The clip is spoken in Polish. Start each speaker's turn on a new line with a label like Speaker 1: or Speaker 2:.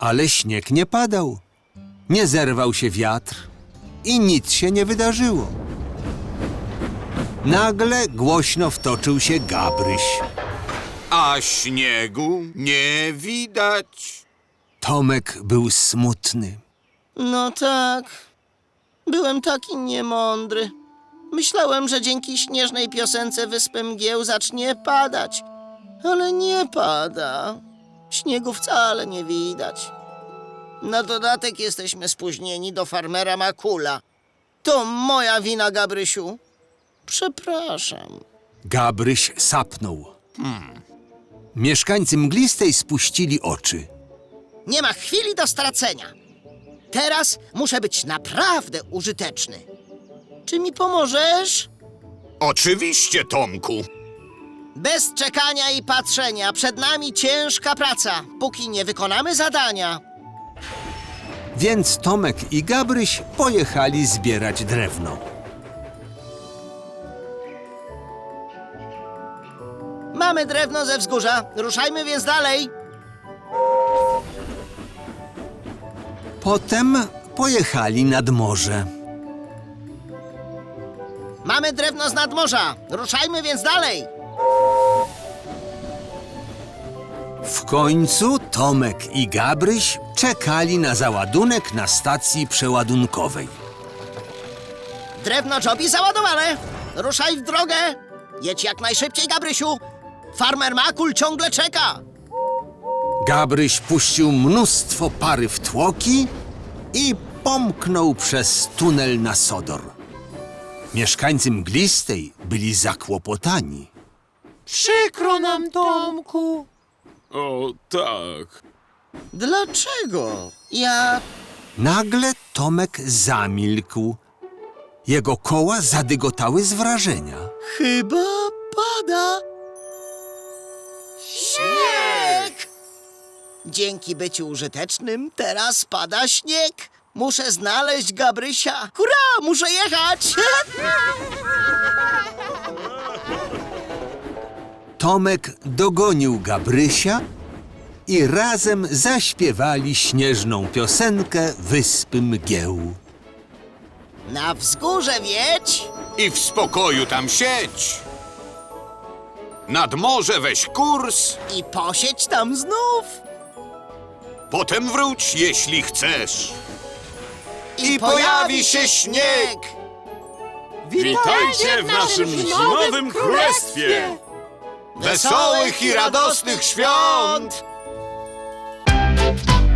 Speaker 1: Ale śnieg nie padał. Nie zerwał się wiatr i nic się nie wydarzyło. Nagle głośno wtoczył się Gabryś.
Speaker 2: A śniegu nie widać.
Speaker 1: Tomek był smutny.
Speaker 3: No tak. Byłem taki niemądry. Myślałem, że dzięki śnieżnej piosence Wyspy Mgieł zacznie padać. Ale nie pada. Śniegu wcale nie widać. Na dodatek jesteśmy spóźnieni do farmera Makula. To moja wina, Gabrysiu. Przepraszam.
Speaker 1: Gabryś sapnął. Mieszkańcy Mglistej spuścili oczy.
Speaker 3: Nie ma chwili do stracenia. Teraz muszę być naprawdę użyteczny. Czy mi pomożesz?
Speaker 2: Oczywiście, Tomku.
Speaker 3: Bez czekania i patrzenia. Przed nami ciężka praca, póki nie wykonamy zadania.
Speaker 1: Więc Tomek i Gabryś pojechali zbierać drewno.
Speaker 3: Mamy drewno ze wzgórza. Ruszajmy więc dalej.
Speaker 1: Potem pojechali nad morze.
Speaker 3: Mamy drewno z nadmorza. Ruszajmy więc dalej.
Speaker 1: W końcu Tomek i Gabryś czekali na załadunek na stacji przeładunkowej.
Speaker 3: Drewno Jobi załadowane. Ruszaj w drogę. Jedź jak najszybciej, Gabrysiu. Farmer Makul ciągle czeka.
Speaker 1: Gabryś puścił mnóstwo pary w tłoki i pomknął przez tunel na Sodor. Mieszkańcy Mglistej byli zakłopotani.
Speaker 4: Przykro nam, Tomku.
Speaker 2: O, tak.
Speaker 3: Dlaczego?
Speaker 1: Nagle Tomek zamilkł. Jego koła zadygotały z wrażenia.
Speaker 3: Chyba pada. Śnieg! Dzięki byciu użytecznym teraz pada śnieg. Muszę znaleźć Gabrysia. Hurra, muszę jechać!
Speaker 1: Tomek dogonił Gabrysia i razem zaśpiewali śnieżną piosenkę Wyspy Mgieł.
Speaker 3: Na wzgórze wiedź.
Speaker 2: I w spokoju tam siedź. Nad morze weź kurs,
Speaker 3: I posiedź tam znów.
Speaker 2: potem wróć, jeśli chcesz.
Speaker 3: I pojawi się śnieg.
Speaker 4: Witajcie w naszym zimowym królestwie.
Speaker 2: Wesołych i radosnych świąt!